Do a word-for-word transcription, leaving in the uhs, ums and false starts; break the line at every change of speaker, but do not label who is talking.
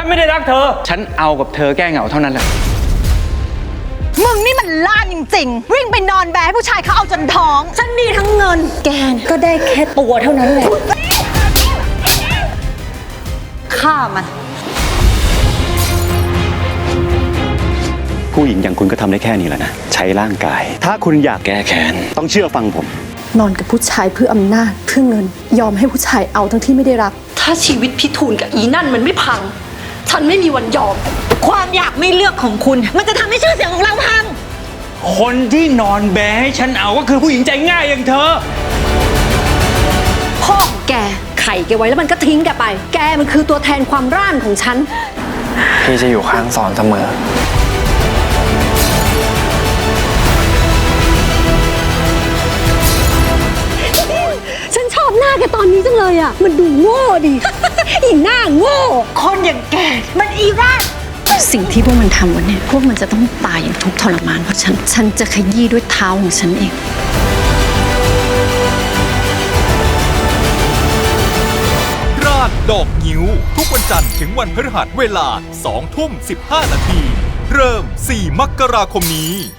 ไม่ได้รักเธอ
ฉันเอากับเธอแก้เหงาเท่านั้นแหละ
มึงนี่มันล่านจริงๆวิ่งไปนอนแบให้ผู้ชายเขาเอาจนท้องฉันมีทั้งเงินแกนก็ได้แค่ตัวเท่านั้นแหละฆ่ามัน
ผู้หญิงอย่างคุณก็ทำได้แค่นี้แหละนะใช้ร่างกายถ้าคุณอยากแก้แค้นต้องเชื่อฟังผม
นอนกับผู้ชายเพื่ออำนาจเพื่อเงินยอมให้ผู้ชายเอาทั้งที่ไม่ได้รัก
ถ้าชีวิตพี่ทูลกับอีนั่นมันไม่พังฉันไม่มีวันยอม
ความอยากไม่เลือกของคุณมันจะทำให้ชื่อเสียงของเราพัง
คนที่นอนแบให้ฉันเอาก็คือผู้หญิงใจง่ายอย่างเธอ
พ่อของแกไข่แกไว้แล้วมันก็ทิ้งแกไปแกมันคือตัวแทนความร่านของฉัน
พี่จะอยู่ข้างสอนเสมอ
ฉันชอบหน้าแกตอนนี้จังเลยอ่ะมันดูโง่ดิ อีหน้าโง่
คนอย่างแกมันอีร่า
สิ่งที่พวกมันทำวันนี้พวกมันจะต้องตายอย่างทุกข์ทรมานเพราะฉันฉันจะขยี้ด้วยเท้าของฉันเอง
ราดดอกงิ้วทุกวันจันทร์ถึงวันพฤหัสเวลาสองทุ่มสิบห้านาทีเริ่มสี่มกราคมนี้